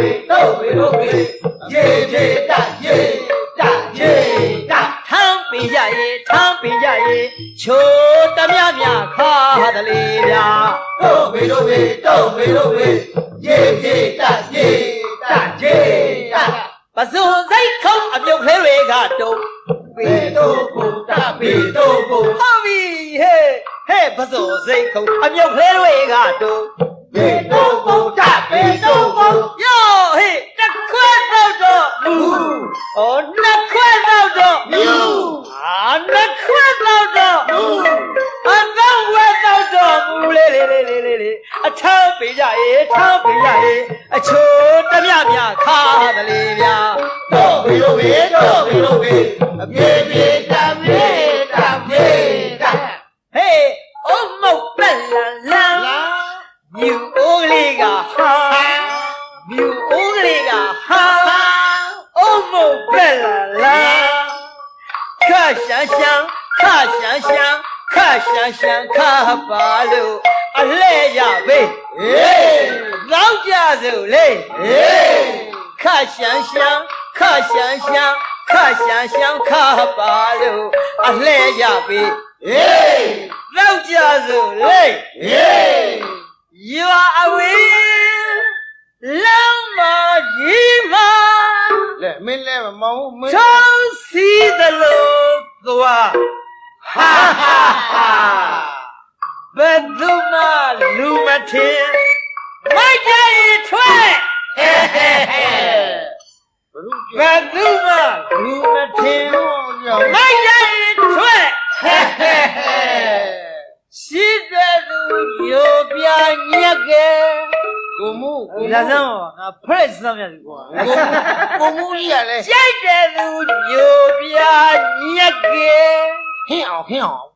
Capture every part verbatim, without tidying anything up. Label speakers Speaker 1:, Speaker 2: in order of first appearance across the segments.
Speaker 1: တို့ဝေတို့ဝေရေရေတရေတရေတထမ်းပင်ရရေထမ်းပင်ရရေချိုးတမြမြခါတလေဗျာတို့ဝေတို့ဝေတို့ဝေတို့ဝေရေရေတရေတရေတပဇွန်စိတ်ခုံးအပြုတ်ခဲတွေကတုံးပေတို့ဘုဒ္ဓပေတို့ဘုဟုတ်ပြီဟဲ့ဟဲ့ပဇွန်စိတ်ခုံးအပြုတ်ခဲတွေကတုံးပေတို့ဘုဒ္ဓပေတို့ဘုယောဟဲ့တစ်ခွက်တော့တော့မူဩနှစ်ခွက်တော့တော့မူအာနှစ်ခွက်တော့တော့မူအတော့ဝက်တော့တော့မူလေလေလေလေလေအထမ်းပေးကြရေထမ်းပေးကြရေအချိုးတမြမြခါတလေဗျာတို့ဝေတို့ဝေတို့ဝေတို့ဝေအပြေပြေတပြေတပြေတဟေးအုံမုတ်ပက်လန်လန်မြူအိုးလေးကဟာမြူအိုးကလေးကဟာအုံမုတ်ပက်လန်လန်ခါရှမ်းရှမ်းခါရှမ်းရှမ်းခါရှမ်းရှမ်းခါပါလို့အလဲရပဲဟေးလောက်ကြစို့လေဟေးခါရှမ်းရှမ်းခါရှမ်းရှမ်းခါရှမ်းရှမ်းခါပါလို့အလဲရပဲဟေးလောက်ကြစို့လေဟေးYou are away လောင်းမကြီးမလဲမင်းလဲမမောင်းမင်းချောင်းစီသလိုသွားဟာဟာဟာဘယ်သူမှလူမထင်မိုက်ကြရင်ထွက်ဟဲဟဲဟဲဘယ်သူမှလူမထင်မိုက်ကြရင်ထွက်ဟဲဟဲဟဲရှိတဲ့သူညိုပြညက်ကဲကိုမှုကိုလာစမ်းပါငါဖရက်စမ်းရတယ်ကွာကိုမှုကြီးရလဲကြိုက်တဲ့သူညိုပြညက်ကဲဟင်းအောင်ဟင်းအောင်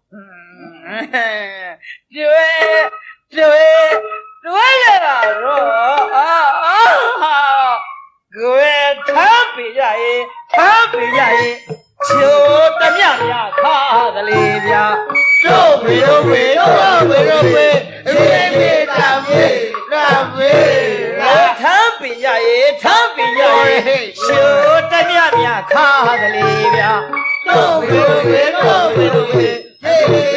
Speaker 1: တွေ့တွေ့တွေ့ရတော့အာအာကိုယ်ထမ်းပြရရင်ထမ်းပြရရင်ချိုးတမြမြခါကလေးဗျာတို့ဝေတို့ဝေတို့ဝေတို့ဝေရေမေတံမေတံမေထမ်းပြရရင်ထမ်းပြရရင်ချိုးတမြမြခါကလေးဗျာတို့ဝေတို့ဝေတို့ဝေတို့ဝေ